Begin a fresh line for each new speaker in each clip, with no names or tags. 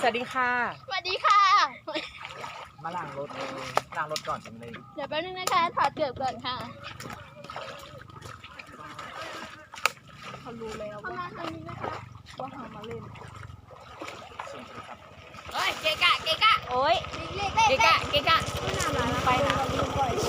วัสดีค่ะ
สวัสดีค่ะ
มาล้างรถล้างรถก่อนจังเลย
เดี๋ยวแป๊บนึงนะคะถอดเกือบก่อนค่ะเขารู้แล้วว่าทางนี้นะคะว่าหามาเล่น
ส่งโทรศัพท์
เฮ้ยเกะกะโอ้ย
เล็ก
เกะกะ
ไป
ไปนะ
ลืมก่อน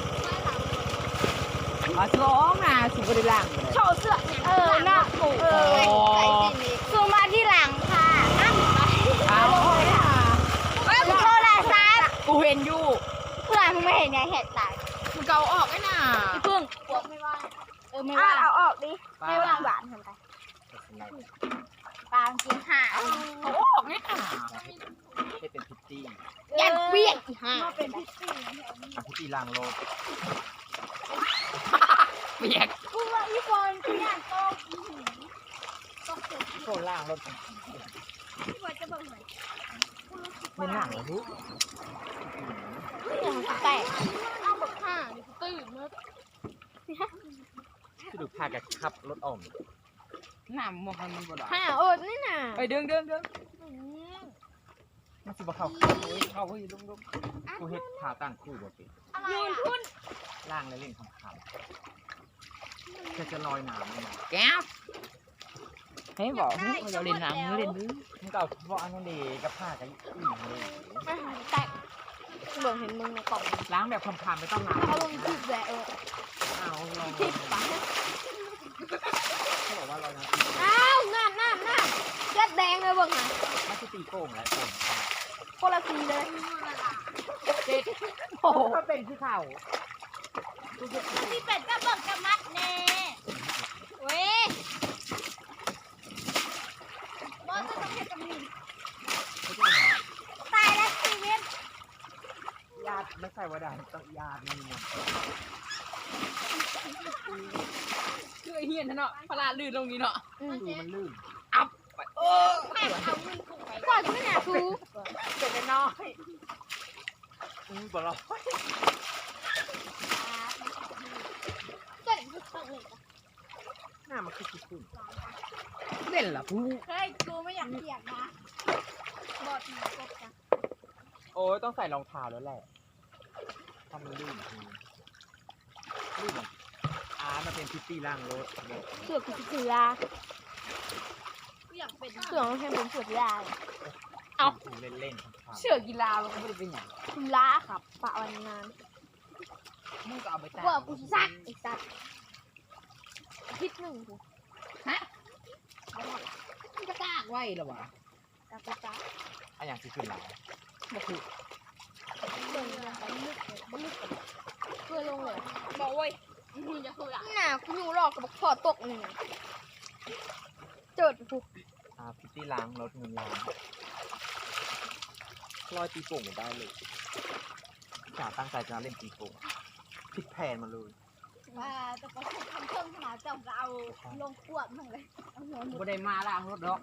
ร้องนะสุบริลัง
โชว์เสื้อหน้าถูกซูมมาที่หลังค่ะนั่งไป
เอา
โทรศัพท์
กูเห็นอยู่
เพื่อนมึงไม่เห็นไงแหกตาย
มึงเกาออกไอ้น่ะ
พี่พึ่งไม่ว่างไม่ว่างเอาออกดิไม่ว่างหวานทำไปปางกินห่า
เขาออกไอ้น่ะ
ให้เป็นพิตตี้
ยันเปี้ยงอีห่า
พิตตี้ล้างรถ
เปียก
กูว่าอีฟอนกินอย่างโต๊ะต้องเสร็จ
โคล้างรถ
พี่บอยจะบอกหน่อย
ไม่ล้างเหรอลูก
แตกเอาแบบห่านี่กูตื่นเมื่อ
ที่ดูพากันขับรถอ่อม
น้ำมันบ่ได้
ห่าอดนี่น่ะ
ไปเดิน
มันสิบ่เข้าเข้าเฮ้ยลุงกูเฮ็ดขาตั้งคู่บ่เป็น
ยืนทุ่น
ล้างแล้วเล่นคำจะลอยน้ำเลยนะ
แก้วให้บอกเราเล่นน้ำเล่นดื้อ
มึงก็เอาเพราะอันนั้นดีกับผ้ากับอิ่มเลย
ไม่หายแตกเบิ่งเห็นมึงในกล่อง
ล้างแบบคำๆไม่ต้องล้าง
เขาลงจิบแหวะ
เอาลอง
จิบปะ
เขาบอกว่าลอยน้ำ
อ้าวน้ำเลือดแดงเลยเบิ่งหะ
ไม่ใช่ตีโป่งแล้วโป่ง
คนละสีเลย
โอ้โหก็เป็นที่เขา
มีเป็ดกับเบิ่งกับมัดแน่เว้ยบอสจะต้องเห็นกับมึง
ไม่ใช่เหรอ
ตายแล้วชีวิต
ญาติไม่ใช่ว่าดาต้องญาตินี่มัน
คือเฮียนเนาะพลาลื่นลงนี้เนาะ
ดูมันลื่น
อับไป
แม่เอาเงินถูกไปก่อนไม่หนาทู
เป็นน้อย
บ่รอ
เกิดอะไรขึ้นเลย
หน้ามันคือขึ้น
เล่นล่ะผู้
เฮ้ยกูไม่อยากเปียกนะบอดหนูกบกัน
โอ้ยต้องใส่รองเท้าแล้วแหละถ้ามันลื่นลื่นมันเป็นพิตตี้ล่างรถ
เสือกกูจะเสือกูอยากเป็นเสือมันเป็นเสือยาว
เอาเล่นๆ
เชื่อกีฬามันก็ไม่ได้เป็นอย่าง
คุณล้าครับปะวันงาน
มึงก็เอาไปตาก
ว่ากูซักไอ้สัตว์คิดหนึ่งกู
ฮะมึงก็ตากไว้แล้ววะ
ตากูซัก
อันอย่างที่ขึ้นแล้ว
บ่คือ
เดินไปลึกเลยลึกเพื่อลงเลย
บอกเว้ย
มึงจะคือน่ะกูอยู่รอกับพอตกหนึ่งเจิดกู
พิตตี้ล้างรถเงินล้างลอยตีโป่งได้เลยจ่าตั้งใจจะเล่นตีโป่งผิดแผนมาเลย
ว่าจะไปทำเครื่องขนาดจับเอาลงขวดมั่งเลยเอาหัวหมุ
บ่ได้มาล้างรถดอก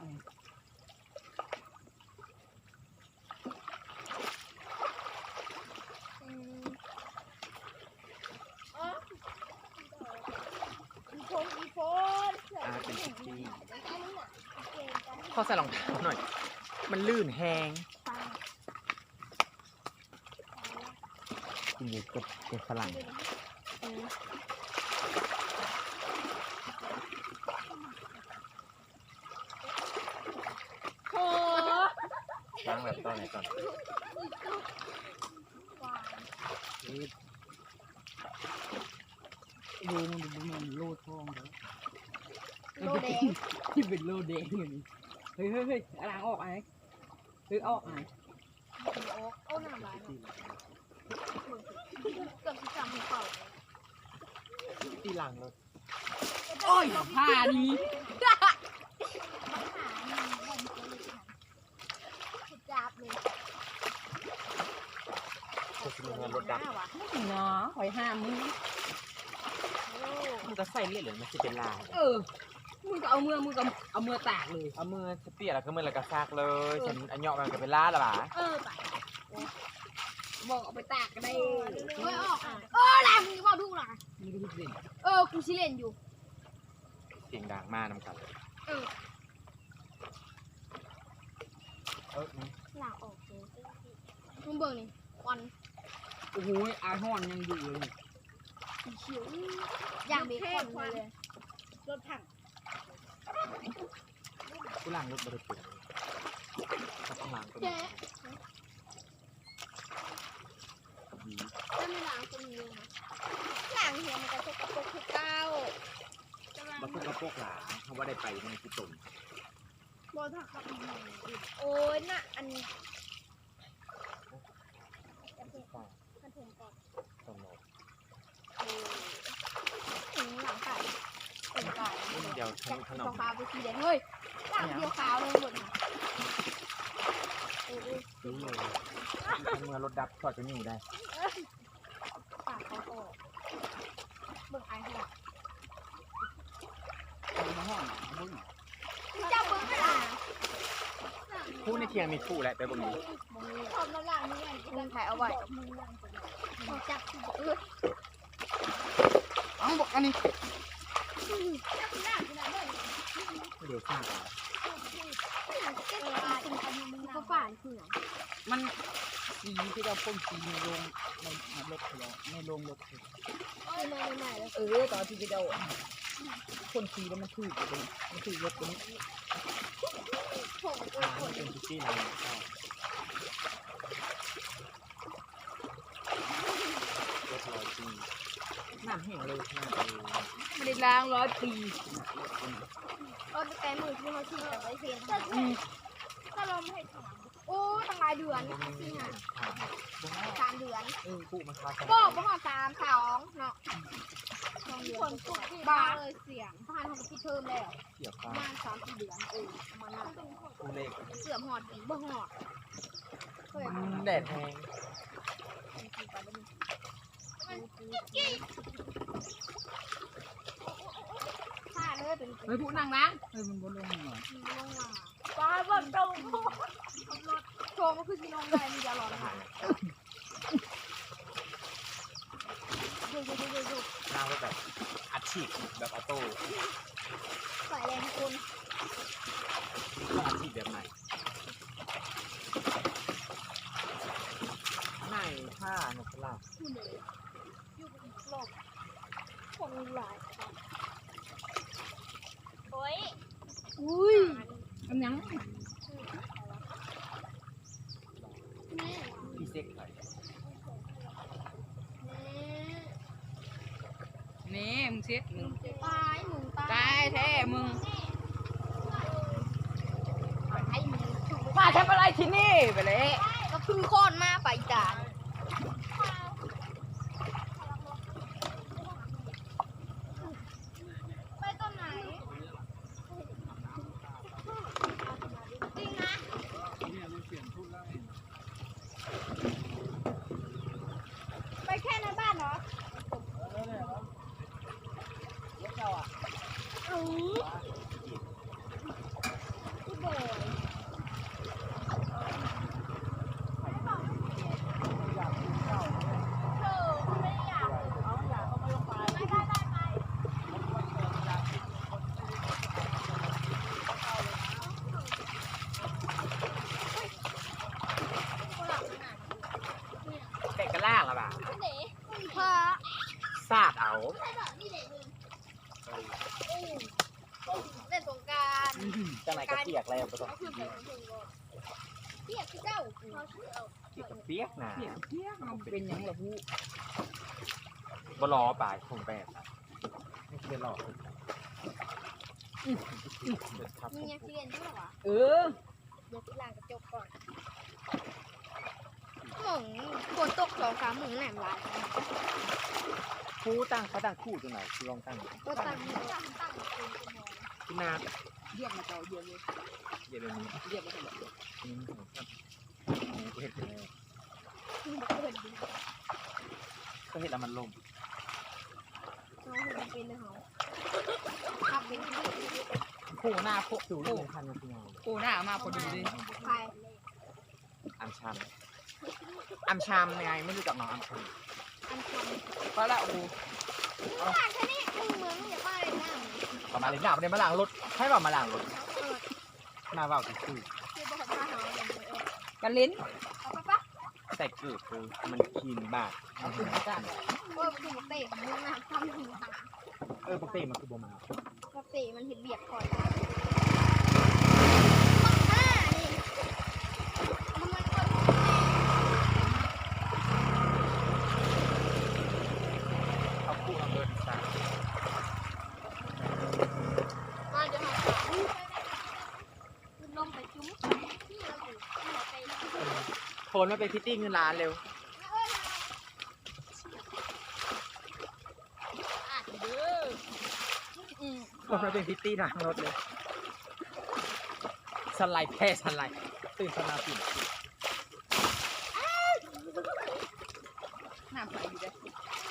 อีโฟน
เป็นพิตตี้ขอใส่รองเท้าหน่อย มันลื่นแหงกินอยู่กับฝรั่งล้างแบบตอนไหนก่อน
ดูมันโลดทองเด้อ
โลแดง
ที่เป็นโลแดงอยู่นี่เฮ้ยล้างออกไอ้ออกไอ้
โอ้หน้าร้านเกือบจะจำหัวเข่า
ตีล้างรถ
โอ้ยผ้านี้
จับเลย
คือมีเงินรถดับ
เนาะหอยห้ามึง
มันก็ใส่เลือดหรือมันจะเป็นลาย
มึงก็เอามือตากเลย
เอามือสเปียร์แล้วก็มือแล้วก็ซากเลยฉันอันเหยาะมันก็เป็นล่าละบ่า
ไปบอกเอาไปตากก็ได้
ออกแหละมึงบอกถูกหรอ
มึงก็รู้สิ
กูชิเล่นอยู่
เสียงดังมากน้ำกัน
หลังออกเลยมึงเบิ่งนี่ควัน
โอ้โหอาห่อนยังอยู่เลย
เขียวอย่างเบคอนเลยรถถัง
กูล้างรถบริสุทธิ์ก็ต้องล้างก็ดี
เจ๊ถ้าไม่ล้างจะมีเลยนะล้างเหี่ยวมันจะสกปรกคือเก้า
มาพูดกับพวกหลานเขาว่าได้ไปในกุศล
บอถักกับโอ้ยน่ะอันนี้กระเทียมก่อนกระเทียมก่อน
ตลอด
หลังไก่เป็นไก่
เดี๋ยวขนม
ขาวไปสีแดงเฮ้ยหลังเดียวขาวเลยหมดนะ
ซื้อเลยเมื่อรถดับก็จะนิ่วได้
ปากเขาออกเบิ่งไอ้ขนาด
มาห่อนมึง
เจ้าเบิ่งอะไร
คู่ในเทียงมีคู่แหละไปบนนี้
ทำน้ำลายนี่ไงมึงถ่ายเอาไว้มึงจับเออ
เอาบอกอันนี้
จับหน้าขนาดนั้น
ไม่เดี๋ยวข้างกัน
ก็ฝ่ายคือ
มันสีที่เราพ่นสีในโรงในรถเราในโรงรถ
คือมาใหม่ๆเลย
ตอนที่เราพ่นสีแล้วมันถูกเลยมันถูกรถตัวนี้
ผม
มันเป็นพิตตี้ร้านข้าวรถลอยจีน้ำแห้งเลยหน้าเลย
ไม่ได้ล้าง100 ปี
ก็แต่มือที่เขาขี่แต่ไว้เพียงก็ลมให้ถามโอ้ตั้งหลายเดือนที่หา3 เดือน
คู่มันคา
บอกประมาณ3 2เนาะคนพูดบ้าเลยเสียงทหารเขาคิดเพิ่มแล้ว
เกี่ยว
ป
กั
ระ
น
มาณ3-4 เดือนประมาณนั้น
คู่เลข
เสื่อมหอดปีบ่หอดเคย
แดดแห้ง
ถ้าเลยเป็น
เฮ้ยผู้นั่งล้างเฮ้ยมันบนลงหน่อย
ป้าบนตรงรถโชว์มันคือสีนมเลยมีเดียวรอนะคะดู
นั่งรถแบบอัดฉีดแบบออโต้
ใส่แรงคุณ
ต้องอัดฉีดแบบไหนไหนผ้านกลา
อยู่เลยอยู่บนโลกคนหลายโอ้ยอุ้ย
อันยัง
พี่เซ็กไป
นี่มึงเช็ดมึง
ตายหมู
ตายแท้มึง
ไอ้หมู
มาทำอะไรที่นี่ไปเลย
ก็คือโค่นมาไปจานไปต้นไหนจริงนะไปแค่ในบ้านเหรออือพี่เบย์เธอไม่อยากไป
แต่กระล่างอะบ่า
เด็กพอ
ซาดเอา
ใช่แบบนี่เด็กเลยเล่นสงกราร
จังไหนกระเปียกแล้วก็ต้อง
เขาคือแบบเปียกที่เจ้าเขาชื่อเอา
เปียกกระเปียกนะ
เปียกเปียกมันเป็นยังล่ะผู้
บ่รอป่ายคงแบบนะไม่เคยรอครับ
มียังเรียนใช่ไหมวะ
เออ
เดี๋ยวพี่ล้างกระจกก่อนหมงฝนตก2-3 มื้อแหนมลาย
คู่ตั้งเขาตั้งคู่ตรงไหนคือลองตั้ง
ก็ตั้งเป็นชั่วโมง
ที่นา
เรียกมาเจ้าเดียวเลย
เดี๋ยวนี้
เรียกมาเจ้า
เห็ดเลย
เปิดดี
ก็เห็ดแล้วมันลง
น้องเห็นเป็นเลยเหรอขับเป็นที่
คู่หน้าพวกดูเรื่องพันธุ์ยังไง
โอ้หน้ามาพอดีเลย
ใคร
อัมชัมอัมชัมยังไงไม่รู้จักน้องอัมชัม
อันทำ
เพราะละโอ้
บ้านแค่นี้เมืองอย่าบ้านเลยนะ
ประมาณนี้หน้าประเด็นมาล้างรถให้แบบมาล้างรถ
เออ
หน้าว่าวคือ
คือบอกว่าเขา
กันลิ้น
เอาปะ
ใส่เกลือคือมันคีนบาด
เอาขึ้นมาจ้ะ
โอ้ยมันถูกเตะของมึงนะทำถึงหา
ปกติมันคือโบมา
ปกติมันเห็นเบียดคอยห้านี่มันมันคน
เขาคู่เอาเบิร์นสาม
มาเดี๋ยวหาลงไปจุ้มที่เราอยู่ที่เราไป
โทนมาเป็นพิตตี้เงินล้านเร็ว
อ่ะเด้อ
โทนมาเป็นพิตตี้ล้างรถเลยสไลด์แพ้สไลด์ตื่นสนาปิ่น
น้ำใสอยู่เด้อ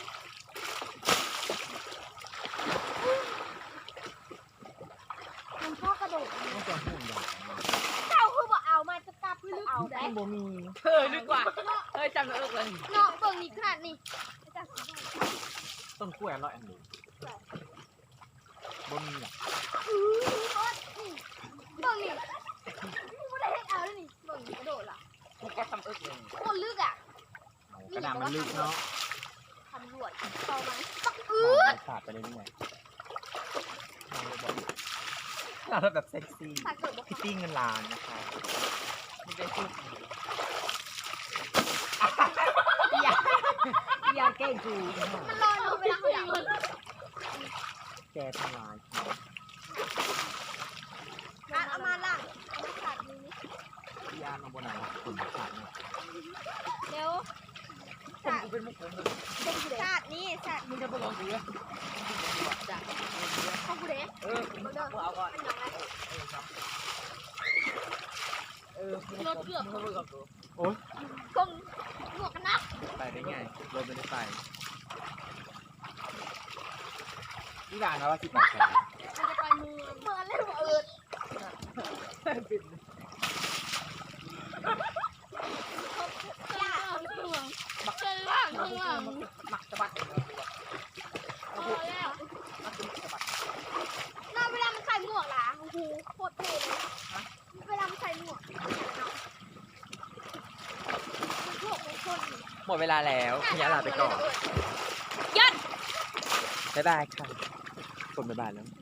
มันพ่อกระโดด
ต้องจะห่วงอย่าง
เจ้าคือบอกเอามาจะกลับคือเอาได้
โบมี
เธอดีกว่าเฮ้ยจำได้เลย
เนาะเบิ่งนี่ขนาดนี้
ต้นกล้วยอร่อยอันนี้โบมีหรอ
เบิ่งนี่ไม่ได้ให้เอาเลยนี่เบิ่งนี่กระโดดล่ะ
พวกก็ทำเลย
คนลึกอ่ะ
กระดาษมันลึกเนาะ
ตำรวจเข้ามาปัก
มันขาดไปเรื่อยๆเราแบบเซ็กซี่
ถ้าเกิดบอก
พิตตี้เงินล้านนะคะ
มันเป็นชุดอย่าแกล้งกู
มันลอยลงไปแล้วอย่าง
แกทำลาย
เอามาล่างเอามาขาดนี้
พี่อาร์มาบนไหนขุนขาดเนี่ย
เร็ว
ผมกูเป็นมุกผมเลย
ขาดนี้ขาด
มึงจะบอกกูเลยจ้ะ
ของกูเด้
เออมึงเอาก่อน
มันยังไง
รถเกือบมึงกับกู
โอ๊ย
คงหมวกกันน็อก
ไปได้ไงรถไม่ได้ไปพี่ด่านะว่าที่ปากแขน
มันจะไปเมืองเล่นหัวเอิดย่าเมืองเจอว่างเมือง
หมักสะบัด
พอแล้วน่าเวลามันใส่หมวกล่ะโอ้โหโคตรเท่เลยเวลามันใส่หมวกมันโลกของคน
หมดเวลาแล้วขยะลาไปก่อน
ยัด
บ๊ายบายค่ะคนบ๊ายบายแล้ว